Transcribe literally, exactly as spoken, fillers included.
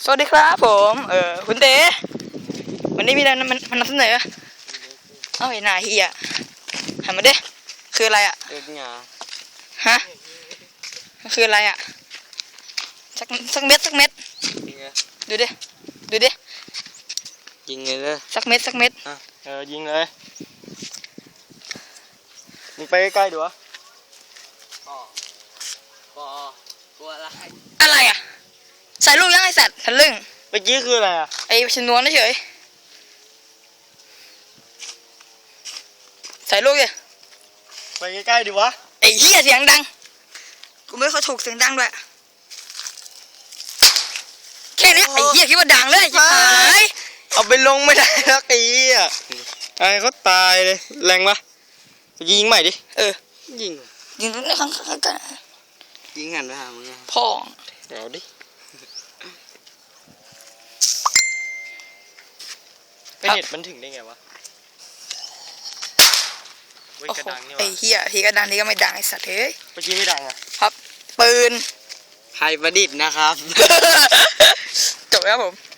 สวัสดีครับผมเออคุณเต้วันนี้มีอะไรมันมันนำเสนอเอ้าไอ้หน้าเฮียหันมาดิคืออะไรอ่ะเอ็ดหยาฮะคืออะไรอ่ะสักสักเม็ดสักเม็ดยิงไงดูดิดูดิยิงไงเลยสักเม็ดสักเม็ดอ่ะเออยิงเลยมึงไปใกล้ๆดูวะปอปอกลัวอะไรอะไรอ่ะใส่ลูกยังไอสัตว์ทะลึ่งเมื่อกี้คืออะไรอ่ะไอ้ชนวนเฉยใส่ลูกดิไปใกล้ๆดิวะไอ้เฮียเสียงดังกูไม่ค่อยถูกเสียงดังด้วยแค่นี้ไอ้เฮียคิดว่าดังเลยชิบหายเอาไปลงไม่ได้แล้วไอ้เหี้ยไอ้เขาตายเลยแรงปะยิงใหม่ดิเออยิงยิงในข้างข้างกันยิงหันไปหามึงอ่ะพ่อเอาดิไอเน็ตมันถึงได้ไงวะเว้ยโอ้กระโหดังนี่วะไอ้เฮียทีก็ดังทีก็ไม่ดังไอ้สัตว์เฮ้ยเมื่อกี้ไม่ดังอ่ะครับปืนไทยประดิษฐ์นะครับจบแล้วผม